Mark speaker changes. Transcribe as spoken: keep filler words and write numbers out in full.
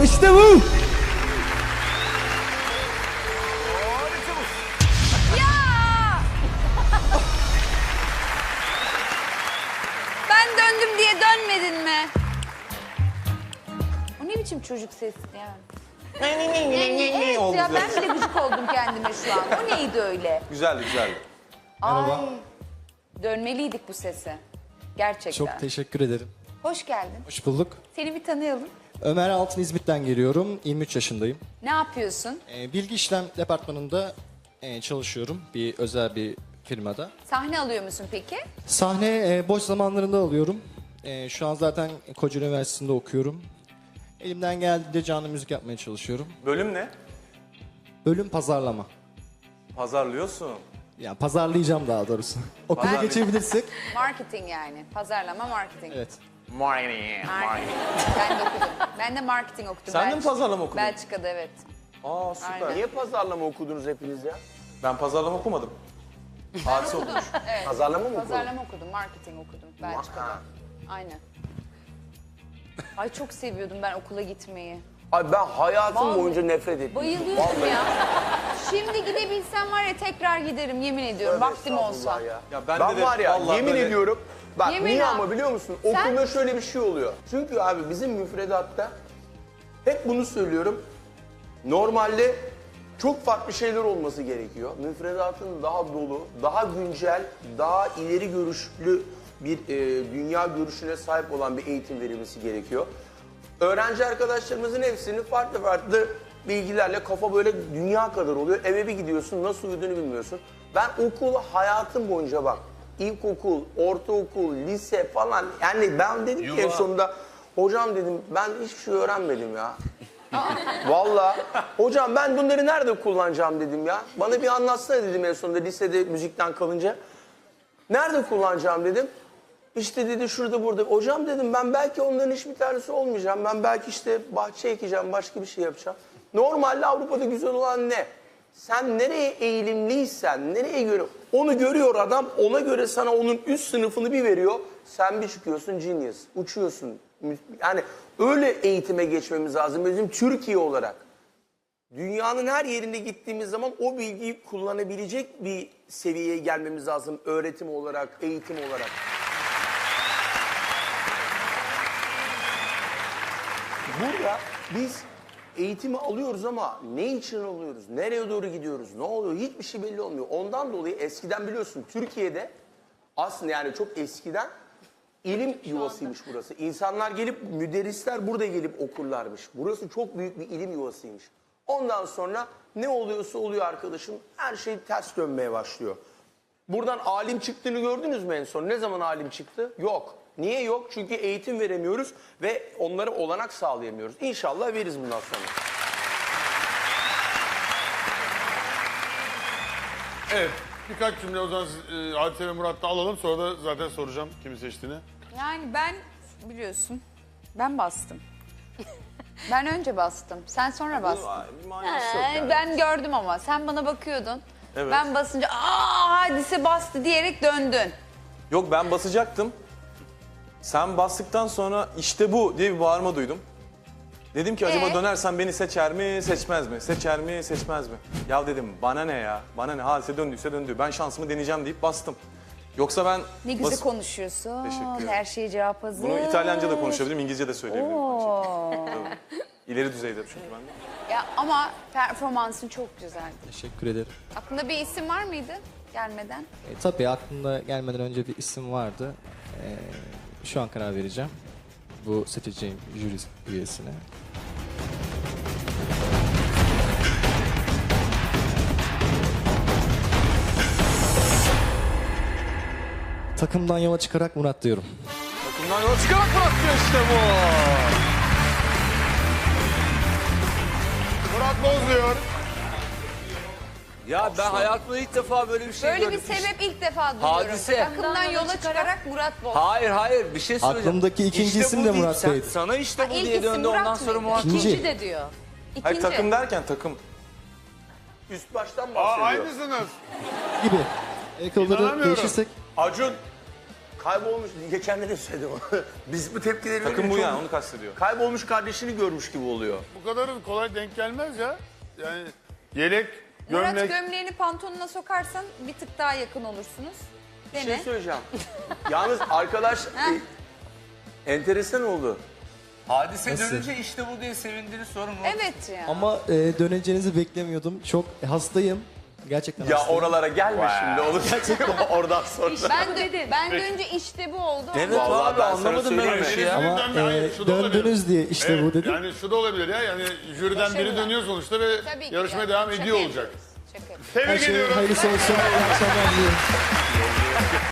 Speaker 1: var, işte bu.
Speaker 2: Ben döndüm diye dönmedin mi? O ne biçim çocuk sesi yani? Evet ya, ben bile gıcık oldum kendime şu an. O neydi öyle?
Speaker 3: Güzeldi güzeldi.
Speaker 1: Merhaba.
Speaker 2: Ay, dönmeliydik bu sese. Gerçekten.
Speaker 1: Çok teşekkür ederim.
Speaker 2: Hoş geldin.
Speaker 1: Hoş bulduk.
Speaker 2: Seni bir tanıyalım.
Speaker 1: Ömer Altın İzmit'ten geliyorum. yirmi üç yaşındayım.
Speaker 2: Ne yapıyorsun?
Speaker 1: Ee, bilgi işlem departmanında e, çalışıyorum. Bir özel bir firmada.
Speaker 2: Sahne alıyor musun peki?
Speaker 1: Sahne e, boş zamanlarında alıyorum. E, şu an zaten Kocaeli Üniversitesi'nde okuyorum. Elimden geldiğince canlı müzik yapmaya çalışıyorum.
Speaker 3: Bölüm ne?
Speaker 1: Bölüm pazarlama.
Speaker 3: Pazarlıyorsun.
Speaker 1: Yani pazarlayacağım daha doğrusu. Okula
Speaker 3: Pazarlay-
Speaker 1: geçebilirsek.
Speaker 2: Marketing yani. Pazarlama, marketing.
Speaker 1: Evet.
Speaker 3: Marketing.
Speaker 2: Marketing. Ben de okudum. Ben de marketing okudum.
Speaker 3: Sen de mi
Speaker 2: Belçika-
Speaker 3: pazarlama okudun?
Speaker 2: Belçika'da evet.
Speaker 3: Aa süper.
Speaker 2: Aynen.
Speaker 4: Niye pazarlama okudunuz hepiniz ya?
Speaker 3: Ben pazarlama okumadım. Hadise okumuş.
Speaker 2: Evet.
Speaker 4: Pazarlama mı okudun?
Speaker 2: Pazarlama okudum, marketing okudum Belçika'da.
Speaker 4: Ha.
Speaker 2: Aynen. Ay çok seviyordum ben okula gitmeyi.
Speaker 4: Ay ben hayatım
Speaker 2: Vallahi
Speaker 4: boyunca nefret ettim.
Speaker 2: Bayılıyordum ya. Şimdi gidebilsem var ya tekrar giderim yemin ediyorum vaktim olsa.
Speaker 4: Ya.
Speaker 3: Ya
Speaker 4: ben
Speaker 3: bende de
Speaker 4: var ya
Speaker 3: vallahi
Speaker 4: yemin
Speaker 3: böyle-
Speaker 4: ediyorum. Bak
Speaker 2: Yemin
Speaker 4: niye
Speaker 2: ha.
Speaker 4: ama biliyor musun?
Speaker 2: Sen-
Speaker 4: Okulda şöyle bir şey oluyor. Çünkü abi bizim müfredatta hep bunu söylüyorum. Normalde çok farklı şeyler olması gerekiyor. Müfredatın daha dolu, daha güncel, daha ileri görüşlü bir e, dünya görüşüne sahip olan bir eğitim verilmesi gerekiyor. Öğrenci arkadaşlarımızın hepsinin farklı farklı bilgilerle kafa böyle dünya kadar oluyor. Eve bir gidiyorsun, nasıl uyuduğunu bilmiyorsun. Ben okul hayatım boyunca bak, ilkokul, ortaokul, lise falan, yani ben dedim ki en sonunda, hocam dedim ben hiçbir şey öğrenmedim ya. Vallahi hocam ben bunları nerede kullanacağım dedim ya. Bana bir anlatsana dedim en sonunda lisede müzikten kalınca. Nerede kullanacağım dedim. İşte dedi şurada burada. Hocam dedim ben belki onların hiçbir tanesi olmayacağım. Ben belki işte bahçe ekeceğim, başka bir şey yapacağım. Normalde Avrupa'da güzel olan ne? Sen nereye eğilimliysen, nereye göre onu görüyor adam, ona göre sana onun üst sınıfını bir veriyor. Sen bir çıkıyorsun genius, uçuyorsun. Yani öyle eğitime geçmemiz lazım bizim Türkiye olarak. Dünyanın her yerinde gittiğimiz zaman o bilgiyi kullanabilecek bir seviyeye gelmemiz lazım öğretim olarak, eğitim olarak. Burada biz eğitimi alıyoruz ama ne için alıyoruz, nereye doğru gidiyoruz, ne oluyor hiçbir şey belli olmuyor. Ondan dolayı eskiden biliyorsun Türkiye'de aslında yani çok eskiden ilim yuvasıymış burası. İnsanlar gelip, müderrisler burada gelip okurlarmış. Burası çok büyük bir ilim yuvasıymış. Ondan sonra ne oluyorsa oluyor arkadaşım, her şey ters dönmeye başlıyor. Buradan alim çıktığını gördünüz mü en son? Ne zaman alim çıktı? Yok. Niye yok? Çünkü eğitim veremiyoruz ve onlara olanak sağlayamıyoruz. İnşallah veririz bundan sonra.
Speaker 5: Evet, birkaç cümle o zaman e, Hadise ve Murat'ta alalım. Sonra da zaten soracağım kimi seçtiğini.
Speaker 2: Yani ben biliyorsun ben bastım. Ben önce bastım. Sen sonra bastın.
Speaker 3: Bir manası yok
Speaker 2: Ee,
Speaker 3: yani.
Speaker 2: Ben gördüm ama sen bana bakıyordun.
Speaker 3: Evet.
Speaker 2: Ben basınca aa Hadise bastı diyerek döndün.
Speaker 3: Yok ben basacaktım. Sen bastıktan sonra işte bu diye bir bağırma duydum. Dedim ki acaba
Speaker 2: Ee?
Speaker 3: dönersen beni seçer mi, seçmez mi? Seçer mi, seçmez mi? Ya dedim bana ne ya? Bana ne? Hadise döndüyse döndü. Ben şansımı deneyeceğim deyip bastım. Yoksa ben...
Speaker 2: Ne güzel
Speaker 3: bas-
Speaker 2: konuşuyorsun.
Speaker 3: Teşekkür ederim.
Speaker 2: Her şeye cevap hazır.
Speaker 3: Bunu İtalyanca da konuşabilirim, İngilizce de söyleyebilirim.
Speaker 2: Oo.
Speaker 3: Tabii. İleri düzeyde çünkü ben de.
Speaker 2: Ya ama performansın çok güzeldi.
Speaker 1: Teşekkür ederim.
Speaker 2: Aklında bir isim var mıydı gelmeden?
Speaker 1: E, tabii aklımda gelmeden önce bir isim vardı. E, şu an karar vereceğim. Bu seçeceğim jüri üyesine. Takımdan yola çıkarak Murat diyorum.
Speaker 3: Takımdan yola çıkarak bıraktı işte bu.
Speaker 5: Murat Boz diyor.
Speaker 6: Ya ben hayatımda ilk defa böyle bir şey
Speaker 2: Böyle
Speaker 6: gördüm.
Speaker 2: bir sebep ilk defa duyuyorum.
Speaker 6: Hadise.
Speaker 2: Takımdan yola çıkarak Murat Boz.
Speaker 6: Hayır hayır bir şey söyleyeceğim.
Speaker 1: Aklımdaki ikinci
Speaker 6: İşte
Speaker 1: isim
Speaker 6: bu
Speaker 1: de
Speaker 6: değil.
Speaker 1: Murat
Speaker 6: Sen-
Speaker 1: Bey'di.
Speaker 6: Sana işte bu
Speaker 2: Ha, ilk
Speaker 6: diye
Speaker 2: isim
Speaker 6: döndü
Speaker 2: Murat
Speaker 6: ondan sonra
Speaker 2: mıydı?
Speaker 6: Murat.
Speaker 1: İkinci.
Speaker 7: İkinci de diyor.
Speaker 2: İkinci.
Speaker 3: Hayır takım derken takım.
Speaker 4: Üst baştan
Speaker 5: Aa,
Speaker 4: bahsediyor.
Speaker 5: aynısınız.
Speaker 1: Gibi. El kolları
Speaker 5: İnanamıyorum.
Speaker 1: değişirsek.
Speaker 4: Acun, Kaybolmuş, geçen de söyledim. Biz bu tepkileri
Speaker 3: Takım
Speaker 4: verince
Speaker 3: bu
Speaker 4: çok-
Speaker 3: yani onu kastediyor.
Speaker 4: Kaybolmuş kardeşini görmüş gibi oluyor.
Speaker 5: Bu kadar kolay denk gelmez ya. Yani yelek,
Speaker 2: Murat
Speaker 5: gömlek.
Speaker 2: gömleğini pantolonuna sokarsan bir tık daha yakın olursunuz.
Speaker 4: Bir
Speaker 2: Dene.
Speaker 4: şey söyleyeceğim. Yalnız arkadaş e, enteresan oldu.
Speaker 6: Hadise
Speaker 1: Nasıl?
Speaker 6: dönünce işte bu diye sevindiniz sonra mı?
Speaker 2: Evet ya.
Speaker 1: Ama e, döneceğinizi beklemiyordum. Çok hastayım. Gerçekten
Speaker 4: Ya
Speaker 1: hastayım.
Speaker 4: oralara gelme şimdi olur. Oradan sonra.
Speaker 2: Ben de ben dönünce işte bu oldu.
Speaker 6: Evet
Speaker 4: Vallahi
Speaker 6: abi
Speaker 4: ben sana
Speaker 6: anlamadım ben öyle
Speaker 4: söyleyeyim
Speaker 6: şey
Speaker 4: mi?
Speaker 6: ya.
Speaker 1: Ama
Speaker 5: Jüriden- hayır,
Speaker 1: e,
Speaker 5: şu da olabilir.
Speaker 1: döndünüz diye işte
Speaker 5: Evet,
Speaker 1: bu dedim.
Speaker 5: Yani şu da olabilir ya. Yani jüriden biri
Speaker 2: Başarılı.
Speaker 5: dönüyor sonuçta ve
Speaker 2: Tabii ki
Speaker 5: yarışmaya
Speaker 2: yani.
Speaker 5: devam
Speaker 2: Şaka
Speaker 5: ediyor
Speaker 2: yapıyoruz.
Speaker 5: olacak.
Speaker 2: Şaka yapıyoruz.
Speaker 1: Her
Speaker 5: Tebrik
Speaker 1: şey
Speaker 5: ediyorum.
Speaker 1: hayırlısı olsun. İyi akşamlar diliyorum.